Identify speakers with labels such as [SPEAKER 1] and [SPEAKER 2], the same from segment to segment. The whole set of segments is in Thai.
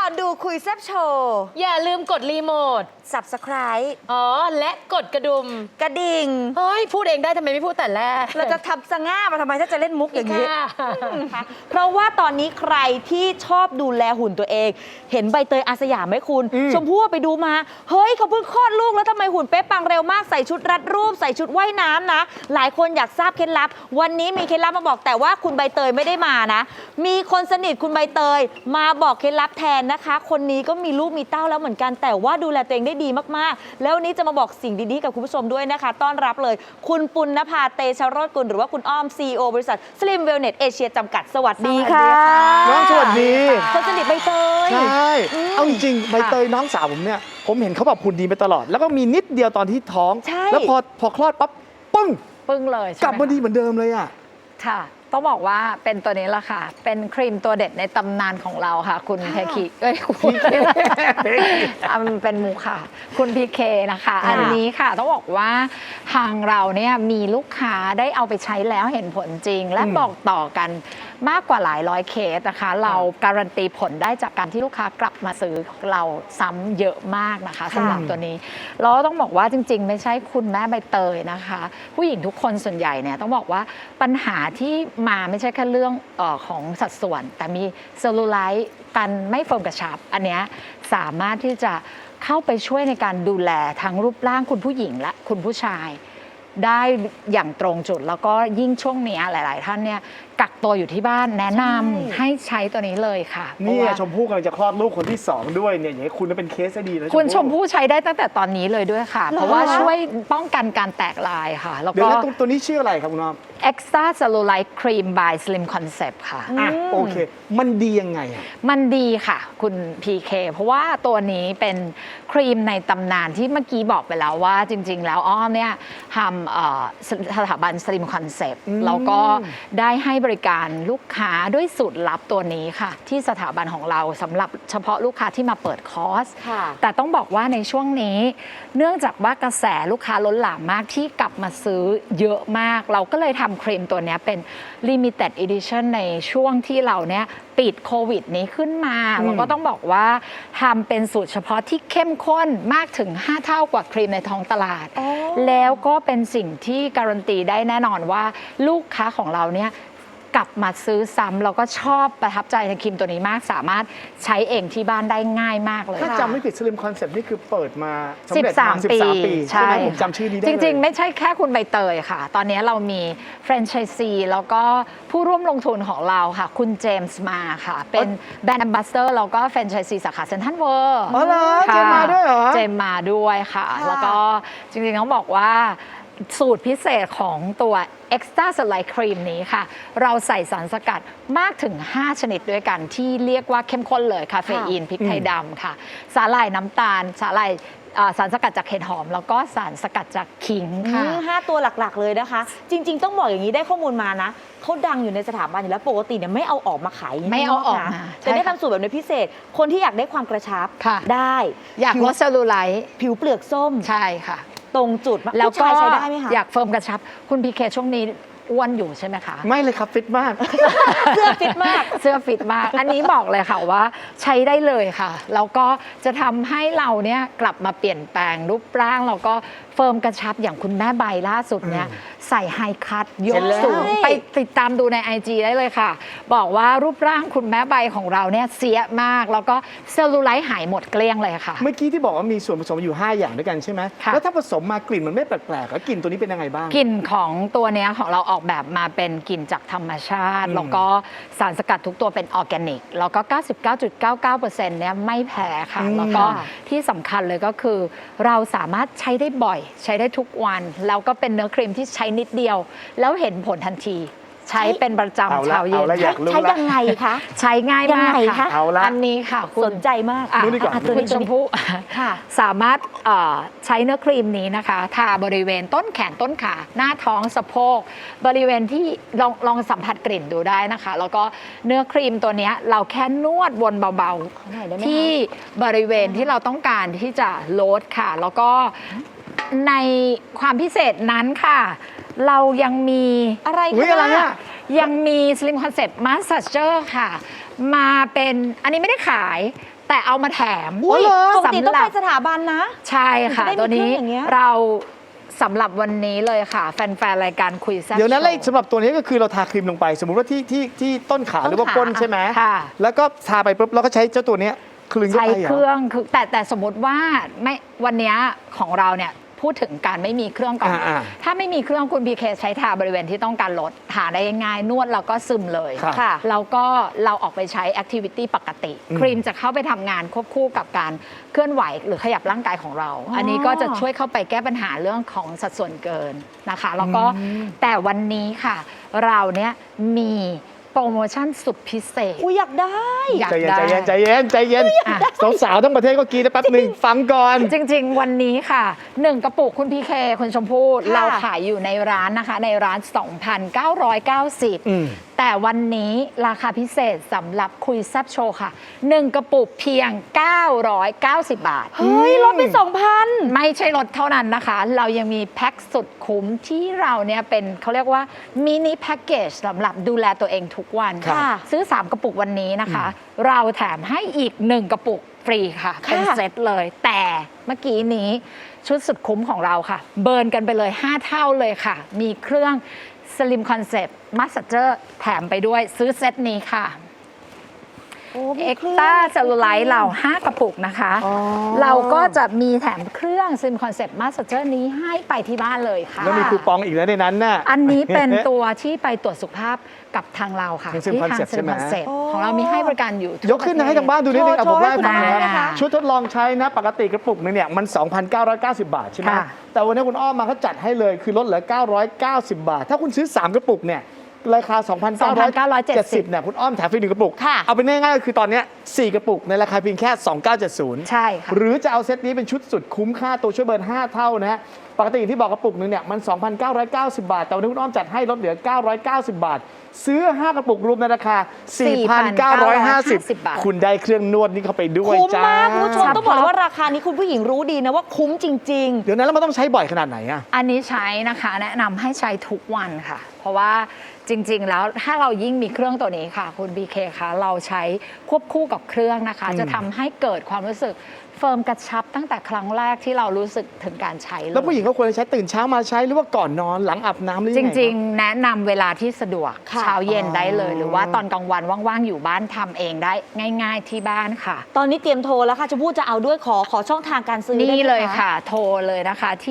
[SPEAKER 1] อนดูคุยแซบโชว์
[SPEAKER 2] อย่าลืมกดรีโมท
[SPEAKER 1] Subscribe
[SPEAKER 2] และกดกระดุม
[SPEAKER 1] กระดิ่ง
[SPEAKER 2] เฮ้ยพูดเองได้ทำไมไม่พูดแต่แรก
[SPEAKER 1] เราจะทำสง่ามาทำไมถ้าจะเล่นมุกอย่างนี้
[SPEAKER 2] ค่ะ
[SPEAKER 1] เพราะว่าตอนนี้ใครที่ชอบดูแลหุ่นตัวเอง เห็นใบเตยอาสยามไหมคุณ ชมพู่ไปดูมาเฮ้ยเขาเพิ่งคลอดลูกแล้วทำไมหุ่นเป๊ะปังเร็วมากใส่ชุดรัดรูปใส่ชุดว่ายน้ำนะหลายคนอยากทราบเคล็ดลับวันนี้มีเคล็ดลับมาบอกแต่ว่าคุณใบเตยไม่ได้มานะมีคนสนิทคุณใบเตยมาบอกเคล็ดลับแทนนะคะคนนี้ก็มีลูกมีเต้าแล้วเหมือนกันแต่ว่าดูแลตัวเองได้ดีมากๆแล้ววันนี้จะมาบอกสิ่งดีๆกับคุณผู้ชมด้วยนะคะต้อนรับเลยคุณปุณณภาเตชโรจน์กุลหรือว่าคุณอ้อม CEO บริษัท Slim Wellness Asia จำกัดสวัสดีค่ะ
[SPEAKER 3] น้องสวัสดี
[SPEAKER 1] คนสนิทใบเตย
[SPEAKER 3] ใช่เอาจริงๆใบเตยน้องสาวผมเนี่ยผมเห็นเขาแบบหุ่นดีไปตลอดแล้วก็มีนิดเดียวตอนที่ท้องแล้วพอคลอดปั๊บปึ้ง
[SPEAKER 4] เลย
[SPEAKER 3] กลับมาดีเหมือนเดิมเลยอ่ะ
[SPEAKER 4] ค่ะต้องบอกว่าเป็นตัวนี้ละค่ะเป็นครีมตัวเด็ดในตำนานของเราค่ะคุณเพคีคุณเป็นมูค่ะคุณพีเคนะคะอันนี้ค่ะต้องบอกว่าทางเราเนี่ยมีลูกค้าได้เอาไปใช้แล้วเห็นผลจริงและบอกต่อกันมากกว่าหลายร้อยเคสนะคะเราการันตีผลได้จากการที่ลูกค้ากลับมาซื้อเราซ้ำเยอะมากนะคะสำหรับตัวนี้แล้วต้องบอกว่าจริงๆไม่ใช่คุณแม่ใบเตยนะคะผู้หญิงทุกคนส่วนใหญ่เนี่ยต้องบอกว่าปัญหาที่มาไม่ใช่แค่เรื่องของสัดส่วนแต่มีเซลลูไลท์การไม่เฟิร์มกระชับอันเนี้ยสามารถที่จะเข้าไปช่วยในการดูแลทั้งรูปร่างคุณผู้หญิงและคุณผู้ชายได้อย่างตรงจุดแล้วก็ยิ่งช่วงนี้หลายๆท่านเนี่ยกักตัวอยู่ที่บ้านแนะนำให้ใช้ตัวนี้เลยค่ะ
[SPEAKER 3] นี่ชมพู่กำลังจะคลอดลูกคนที่2ด้วยเนี่ยอย่างนี้คุณเป็นเคสได้ดีนะ
[SPEAKER 4] คุณชมพู่ใช้ได้ตั้งแต่ตอนนี้เลยด้วยค่ะเพราะว่าช่วยป้องกันการแตกลายค่ะแล้วก็
[SPEAKER 3] ตัวนี้ชื่ออะไรครับคุณน้อง
[SPEAKER 4] Extra Cellulite Cream by Slim Concept ค่ะ
[SPEAKER 3] โอเคมันดียังไงอ่ะ
[SPEAKER 4] มันดีค่ะคุณ PK เพราะว่าตัวนี้เป็นครีมในตำนานที่เมื่อกี้บอกไปแล้วว่าจริงๆแล้วอ้อมเนี่ยทำสถาบัน Slim Concept แล้วก็ได้ให้บริการลูกค้าด้วยสูตรลับตัวนี้ค่ะที่สถาบันของเราสำหรับเฉพาะลูกค้าที่มาเปิดคอร์สแต่ต้องบอกว่าในช่วงนี้เนื่องจากว่ากระแสลูกค้าล้นหลามมากที่กลับมาซื้อเยอะมากเราก็เลยทำครีมตัวนี้เป็น Limited Edition ในช่วงที่เราเนี่ยปิดโควิดนี้ขึ้นมาเราก็ต้องบอกว่าทำเป็นสูตรเฉพาะที่เข้มข้นมากถึง5เท่ากว่าครีมในท้องตลาดแล้วก็เป็นสิ่งที่การันตีได้แน่นอนว่าลูกค้าของเราเนี่ยกลับมาซื้อซ้ำแล้วก็ชอบประทับใจในครีมตัวนี้มากสามารถใช้เองที่บ้านได้ง่ายมากเลย
[SPEAKER 3] ถ้าจำไม่ผิด Slim Concept นี่คือเปิดมา
[SPEAKER 4] 13 ปี
[SPEAKER 3] ใช่ไหมผมจำชื่อนี้ได้
[SPEAKER 4] จริงๆไม่ใช่แค่คุณใบเตยค่ะตอนนี้เรามีแฟรนไชส์ซีแล้วก็ผู้ร่วมลงทุนของเราค่ะคุณเจมส์มาค่ะเป็นแบรนด์แอมบาสเดอร์แล้วก็แฟรนไชส์ซีสาขาเซ็นทรัลเวิลด์
[SPEAKER 3] อ๋อเหรอเจมส์มาด้วยเหรอ
[SPEAKER 4] เจมส์มาด้วยค่ะแล้วก็จริงๆต้องบอกว่าสูตรพิเศษของตัว Extra Cellulite Cream นี้ค่ะเราใส่สารสกัดมากถึง5ชนิดด้วยกันที่เรียกว่าเข้มข้นเลยคาเฟอีนพริกไทยดำค่ะสาหร่ายน้ำตาลสาหร่ายสารสกัดจากเห็ดหอมแล้วก็สารสกัดจากขิงค่ะ
[SPEAKER 1] 5 ตัวหลักๆเลยนะคะจริงๆต้องบอกอย่างนี้ได้ข้อมูลมานะเขาดังอยู่ในสถาบันอยู่แล้วปกติเนี่ยไม่เอาออกมาขาย
[SPEAKER 4] ไม่เอาออกมา
[SPEAKER 1] แต่ได้ทำสูตรแบบในพิเศษคนที่อยากได้ความกระชับได้
[SPEAKER 4] อยากลดเซลลูไลท์
[SPEAKER 1] ผิวเปลือกส้ม
[SPEAKER 4] ใช่ค่ะ
[SPEAKER 1] ตรงจุด
[SPEAKER 4] แล้วก็
[SPEAKER 1] ใช้ได้ไหมคะ
[SPEAKER 4] อยากเฟิร์มกระชับคุณพีเคช่วงนี้อ้วนอยู่ใช่ไหมคะ
[SPEAKER 3] ไม่เลยครับฟิตมาก
[SPEAKER 1] เสื้อฟิตมาก
[SPEAKER 4] เสื้อฟิตมากอันนี้บอกเลยค่ะว่าใช้ได้เลยค่ะแล้วก็จะทำให้เราเนี่ยกลับมาเปลี่ยนแปลงรูปร่างแล้วก็เฟิร์มกระชับอย่างคุณแม่ใบล่าสุดเนี่ยใส่ไฮคัทยกสูงไปติดตามดูใน IG ได้เลยค่ะบอกว่ารูปร่างคุณแม่ใบของเราเนี่ยเสียมากแล้วก็เซลลูไลท์หายหมดเกลี้ยงเลยค่ะ
[SPEAKER 3] เมื่อกี้ที่บอกว่ามีส่วนผสมอยู่5อย่างด้วยกันใช่ไหมแล้วถ้าผสมมากลิ่นมันไม่แปลกๆแล้วกลิ่นตัวนี้เป็นยังไงบ้าง
[SPEAKER 4] กลิ่นของตัวนี้ของเราออกแบบมาเป็นกลิ่นจากธรรมชาติแล้วก็สารสกัดทุกตัวเป็นออร์แกนิกแล้วก็ 99.99% เนี่ยไม่แพ้ค่ะแล้วก็ที่สำคัญเลยก็คือเราสามารถใช้ได้บ่อยใช้ได้ทุกวันแล้วก็เป็นเนื้อครีมที่ใช้นิดเดียวแล้วเห็นผลทันทีใช้เป็นประจำเช้าเย็น
[SPEAKER 1] ใช้ยังไงคะ
[SPEAKER 4] ใช้ง่ายมากค่ะอันนี้ค่ะ
[SPEAKER 1] สนใจมาก
[SPEAKER 4] คุณชมพู่สามารถใช้เนื้อครีมนี้นะคะทาบริเวณต้นแขนต้นขาหน้าท้องสะโพกบริเวณที่ลองสัมผัสกลิ่นดูได้นะคะแล้วก็เนื้อครีมตัวนี้เราแค่นวดวนเบาๆที่บริเวณที่เราต้องการที่จะลดค่ะแล้วก็ในความพิเศษนั้นค่ะเรายังมี
[SPEAKER 1] อะไร
[SPEAKER 4] คะยังมี Slim Concept Massager ค่ะมาเป็นอันนี้ไม่ได้ขายแต่เอามาแถม
[SPEAKER 1] อุ้ยปกติต้อง
[SPEAKER 4] สำห
[SPEAKER 1] ไป
[SPEAKER 4] รับ
[SPEAKER 1] สถาบันนะ
[SPEAKER 4] ใช่ค่ะ
[SPEAKER 1] ถึงจะได้มี
[SPEAKER 4] ตัวนี้
[SPEAKER 1] เครื่องอย่างเงี้ย
[SPEAKER 4] เราสำหรับวันนี้เลยค่ะ แฟนๆ รายการคุยแซ่บ
[SPEAKER 3] เดี๋ยวนั้น
[SPEAKER 4] โช
[SPEAKER 3] เลยสำหรับตัวนี้ก็คือเราทาครีมลงไป สมมุติว่าที่ต้นขาหรือว่าก้นใช่ไหม
[SPEAKER 4] ค่ะ
[SPEAKER 3] แล้วก็ทาไปปุ๊บเราก็ใช้เจ้าตัวเนี้ยคลึงเข้า
[SPEAKER 4] ใช้
[SPEAKER 3] ไปเหร
[SPEAKER 4] เค
[SPEAKER 3] อ
[SPEAKER 4] รื่องคือแต่สมมติว่าไม่วันเนี้ยของเราเนี่ยพูดถึงการไม่มีเครื่องก่อน
[SPEAKER 3] อ่า
[SPEAKER 4] ถ้าไม่มีเครื่องคุณพีเคใช้ทาบริเวณที่ต้องการลดทาได้ง่ายๆนวดแล้วก็ซึมเลย
[SPEAKER 3] ครับ
[SPEAKER 1] ค่ะ
[SPEAKER 4] แล้วก็เราออกไปใช้แอคทิวิตี้ปกติ ครีมจะเข้าไปทำงานควบคู่กับการเคลื่อนไหวหรือขยับร่างกายของเรา อันนี้ก็จะช่วยเข้าไปแก้ปัญหาเรื่องของสัดส่วนเกินนะคะ แล้วก็แต่วันนี้ค่ะ เราเนี่ยมีโปรโมชั่นสุดพิเศษ
[SPEAKER 1] อุ้ยอยากได้
[SPEAKER 4] อยาก
[SPEAKER 3] ใจเย็น
[SPEAKER 4] ได้
[SPEAKER 3] ใจเย็นใจเย็นใจเย็น
[SPEAKER 4] อ่ะ
[SPEAKER 3] สาวๆทั้งประเทศก็กรีดนะแป๊บหนึ่งฟังก่อน
[SPEAKER 4] จริงๆ วันนี้ค่ะ 1 กระปุกคุณพีเคคุณชมพู่
[SPEAKER 1] ค่ะ
[SPEAKER 4] เราขายอยู่ในร้านนะคะ ในร้าน 2,990 แต่วันนี้ราคาพิเศษสำหรับคุยแซบโชว์ค่ะ 1 กระปุกเพียง 990 บาท
[SPEAKER 1] เฮ้ยลดไป 2,000
[SPEAKER 4] ไม่ใช่ลดเท่านั้นนะคะ เรายังมีแพ็คสุดคุ้มที่เราเนี่ยเป็นเขาเรียกว่ามินิแพ็กเกจสำหรับดูแลตัวเองทุกวัน
[SPEAKER 1] ค่ะ
[SPEAKER 4] ซื้อ 3 กระปุกวันนี้นะคะ เราแถมให้อีก 1 กระปุกฟรีค่ะ
[SPEAKER 1] ค่ะ
[SPEAKER 4] เป็นเซตเลย แต่เมื่อกี้นี้ชุดสุดคุ้มของเราค่ะ เบิร์นกันไปเลย 5 เท่าเลยค่ะ มีเครื่อง Slim Concept Massager แถมไปด้วยซื้อเซตนี้ค่ะ
[SPEAKER 1] โอ้มี
[SPEAKER 4] เอ็ก
[SPEAKER 1] ครื่อง
[SPEAKER 4] ต้าเซลลูไลท์เรา5 กระปุกนะคะ
[SPEAKER 3] อ๋อ
[SPEAKER 4] เราก็จะมีแถมเครื่อง Slim Concept Massager นี้ให้ไปที่บ้านเลยค่ะ
[SPEAKER 3] แล้วมีคูปองอีกแล้วในนั้นน่ะ
[SPEAKER 4] อันนี้เป็นตัวที่ไปตรวจสุขภาพกับทางเราค่ะ
[SPEAKER 3] ทาง Slim
[SPEAKER 4] ที่ทาง
[SPEAKER 3] Concept ใช่ไหม
[SPEAKER 4] Concept
[SPEAKER 1] โอ้
[SPEAKER 4] ของเรามีให้บริการอยู่
[SPEAKER 3] ยกขึ้นนะให้ทางบ้านดูนิดนึงเอา
[SPEAKER 1] โช
[SPEAKER 3] ผ
[SPEAKER 1] ว์
[SPEAKER 3] มว่า
[SPEAKER 1] ให้
[SPEAKER 3] ให้ฟัง
[SPEAKER 1] คุณ
[SPEAKER 3] นะ
[SPEAKER 1] ดูนะคะ
[SPEAKER 3] ชุดทดลองใช้นะปกติกระปุกนึงเนี่ยมัน 2,990 บาทใช่ไหม
[SPEAKER 4] ค่ะ
[SPEAKER 3] แต่วันนี้คุณอ้อมมาเขาจัดให้เลยคือลดเหลือ 990 บาท ถ้าคุณซื้อ 3 กระปุกเนี่ยราคา 2,970 เนี่ยคุณอ้อมแถมฟรี1กระปุก
[SPEAKER 1] ค่ะ
[SPEAKER 3] เอาเป็นง่ายๆก็คือตอนเนี้ย4 กระปุกในราคาเพียงแค่ 2,970
[SPEAKER 4] ใช่ค่ะ
[SPEAKER 3] หรือจะเอาเซตนี้เป็นชุดสุดคุ้มค่าตัวช่วยเบิร์น 5 เท่านะฮะ ปกติที่บอกกระปุกนึงเนี่ยมัน 2,990 บาท แต่วันนี้คุณอ้อมจัดให้ลดเหลือ 990 บาท ซื้อ 5 กระปุกรวมในราคา 4,950
[SPEAKER 4] บาท
[SPEAKER 3] คุณได้เครื่องนวดนี้เข้าไปด้วย
[SPEAKER 1] คุ้ม
[SPEAKER 3] จ้าม
[SPEAKER 1] ากคุณผู้ชมต้องบอกเลยว่าราคานี้คุณผู้หญิงรู้ดีนะว่าคุ้มจริง
[SPEAKER 3] เดี๋ยวนั้นแล้วมันต้องใช้บ่อยขนาดไหนอะ
[SPEAKER 4] อันนี้ใช้นะคะแนะนำให้ใช้ทุกวันค่ะ เพราะว่าจริง ๆ แล้วถ้าเรายิ่งมีเครื่องตัวนี้ค่ะ คุณ BK คะเราใช้ควบคู่กับเครื่องนะคะ จะทำให้เกิดความรู้สึกเฟิร์มกระชับตั้งแต่ครั้งแรกที่เรารู้สึกถึงการใช้เลย
[SPEAKER 3] แล้วผู้หญิงก็ควรจะใช้ตื่นเช้ามาใช้หรือว่าก่อนนอนหลังอาบน้ำหรือ
[SPEAKER 4] จ
[SPEAKER 3] ยังไง
[SPEAKER 4] ริง ๆ แนะนำเวลาที่สะดวก
[SPEAKER 1] ค่ะ
[SPEAKER 4] เช้าเย็นได้เลย
[SPEAKER 3] อ๋อ
[SPEAKER 4] หรือว่าตอนกลางวันว่างๆอยู่บ้านทำเองได้ง่าย ๆที่บ้านค่ะ
[SPEAKER 1] ๆ ตอนนี้เตรียมโทรแล้วค่ะชมพู่จะเอาด้วยขอช่องทางการซื้อได้ไหม
[SPEAKER 4] นี่เลยค่ะ โทรเลยนะคะที่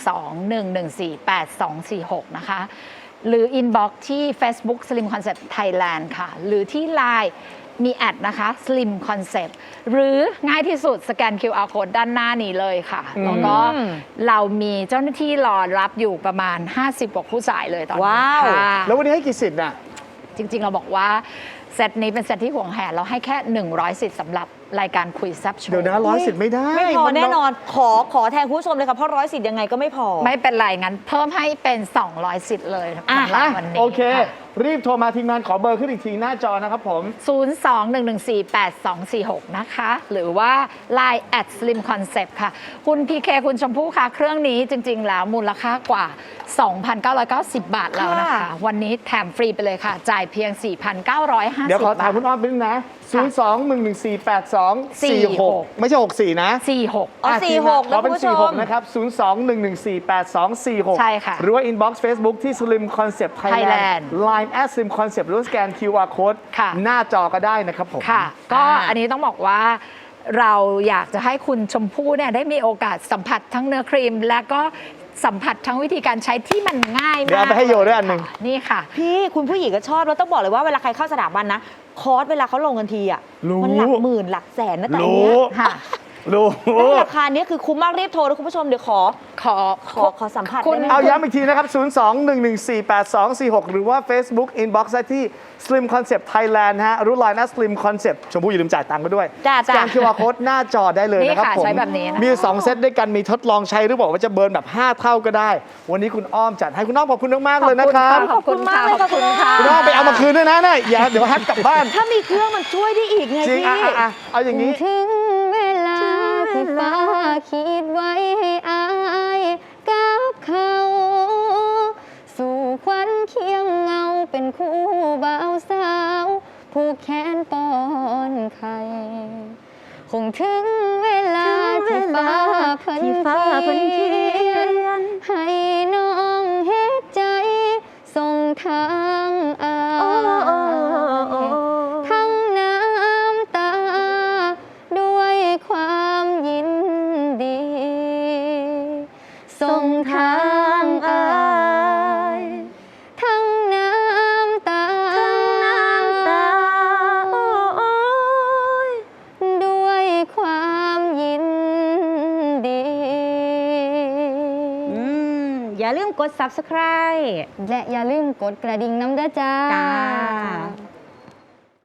[SPEAKER 4] 02-114-8246 นะคะ หรือ inbox ที่ Facebook Slim Concept Thailand ค่ะ หรือที่ Line มีแอดนะคะ Slim Concept หรือง่ายที่สุดสแกน QR Code ด้านหน้านี้เลยค่ะ แล้วก็เรามีเจ้าหน้าที่รอรับอยู่ประมาณ 50 กว่าผู้สายเลยตอนนี้
[SPEAKER 1] ว้าว
[SPEAKER 4] ค่ะ
[SPEAKER 3] แล้ววันนี้ให้กี่สิทธิ์น่ะ
[SPEAKER 4] จริง ๆ เราบอกว่าเซตนี้เป็นเซตที่ห่วงแหนเราให้แค่ 100 สิทธิ์สำหรับรายการคุยแซบโชว์
[SPEAKER 3] เดี๋ยวนะ100 สิทธิ์ไม่ได้
[SPEAKER 1] ไม่พอ
[SPEAKER 3] มั
[SPEAKER 1] แน่นอน ขอแทนคุณผู้ชมเลยค่ะเพราะ110ยังไงก็ไม่พอ
[SPEAKER 4] ไม่เป็นไรงั้นเพิ่มให้เป็น 200 สิทธิ์เลยสำหรับ
[SPEAKER 3] อ่ะ
[SPEAKER 4] วันนี้
[SPEAKER 3] โอเค
[SPEAKER 4] ค่ะ
[SPEAKER 3] รีบโทรมาทีมงานขอเบอร์ขึ้นอีกทีหน้าจอนะครับผม
[SPEAKER 4] 02-114-8246 นะคะ หรือว่า Line @Slim Concept ค่ะ คุณพีเคคุณชมพู่ค่ะ เครื่องนี้จริง ๆ แล้วมูลค่ากว่า 2,990 บาทแล้วนะคะ
[SPEAKER 1] ค่ะ
[SPEAKER 4] วันนี้แถมฟรีไปเลยค่ะ จ่ายเพียง 4,950
[SPEAKER 3] เดี๋ยวขอถาม
[SPEAKER 4] บา
[SPEAKER 3] คุณ
[SPEAKER 4] ท
[SPEAKER 3] อ้อมไปนึงนะ 02-114-8246 ไม่ใช่ 64 นะ
[SPEAKER 4] 46
[SPEAKER 1] อ๋อ
[SPEAKER 3] อ่ะ
[SPEAKER 1] 46
[SPEAKER 3] ข
[SPEAKER 1] นะ
[SPEAKER 3] อ
[SPEAKER 1] คุ
[SPEAKER 3] เป็
[SPEAKER 1] ณ
[SPEAKER 3] น
[SPEAKER 1] ผู้ชม
[SPEAKER 3] 46 นะครับ 02-114-8246
[SPEAKER 4] ใช่ค่ะ
[SPEAKER 3] หรือว่า inbox Facebook ที่ Slim Concept Thailand
[SPEAKER 4] Thailand
[SPEAKER 3] Line @Slim Concept หรือว่าสแกน QR Code
[SPEAKER 4] ค่ะ
[SPEAKER 3] หน้าจอก็ได้นะครับผม
[SPEAKER 4] ค่ะ ก็อันนี้ต้องบอกว่าเราอยากจะให้คุณชมพู่เนี่ยได้มีโอกาสสัมผัสทั้งเนื้อครีม และก็สัมผัสทั้งวิธีการใช้ที่มันง่ายมาก
[SPEAKER 3] เดี๋ยวเอาไปให้โยด้วยอันหนึ่ง
[SPEAKER 4] ค่ะนี่ค่ะ
[SPEAKER 1] พี่คุณผู้หญิงก็ชอบแล้วต้องบอกเลยว่าเวลาใครเข้าสถาบันนะ คอร์สเวลาเขาลงกันทีอ่ะ
[SPEAKER 3] รู้
[SPEAKER 1] มันหลักหมื่นหลักแสนนะแต่อัน
[SPEAKER 3] รู้
[SPEAKER 1] เนี้ย
[SPEAKER 4] ค่ะ
[SPEAKER 3] รู้
[SPEAKER 1] แล้วราคาเนี้ยคือคุ้มมากรีบโทรนะคุณผู้ชมเดี๋ยวขอสัมผัส
[SPEAKER 4] คุณ
[SPEAKER 1] ได้ไหม
[SPEAKER 3] เอาย้ำอีกทีนะครับ 02-114-8246 หรือว่า Facebook Inbox ได้ที่ Slim Concept Thailand ฮะรู้ Line @Slim Concept ชมพู่อย่าลืมจ่ายตังค์ก็ด้วย
[SPEAKER 1] จ้า
[SPEAKER 3] สแกน QR Code หน้าจอได้เลยนะครับ
[SPEAKER 4] นี่ค่ะ
[SPEAKER 3] ผม
[SPEAKER 4] ใช้แบบนี้นะคะ
[SPEAKER 3] มี 2 เซตด้วยกันมีทดลองใช้หรือบอกว่าจะเบิร์นแบบ 5 เท่าก็ได้ วันนี้คุณอ้อมจัดให้คุณอ้อมขอบคุณมากๆเลยนะครับ
[SPEAKER 4] ขอบคุณค่ะ
[SPEAKER 1] ขอบคุณมากเลยค่ะ
[SPEAKER 3] คุณอ้อมไปเอามาคืนด้วยนะเนี่ยอย่าเดี๋ยวแฮกกลับบ้าน
[SPEAKER 1] ถ้ามีเครื่องมันช่วยได้อีกไง
[SPEAKER 3] จริง
[SPEAKER 1] พี่
[SPEAKER 3] เอาอย่างนี้
[SPEAKER 5] ถึงเวลาที่ฟ้าคิดไว้ให้อายกับเขา สู่ควันเคียงเงาเป็นคู่บ่าวสาวผูกแขนป้อนไข่คงถึงเวลาที่ฟ้าเพิ่นเขียนให้น้องเฮ็ดใจส่งทางอายทั้งน้ำตาด้วยความยินดีส่งทางอายทั้งน้ำตาด้วยความยินดี
[SPEAKER 1] อย่าลืมกด subscribe
[SPEAKER 5] และอย่าลืมกดกระดิ่งน้ำเด้อจ้า
[SPEAKER 1] จ้า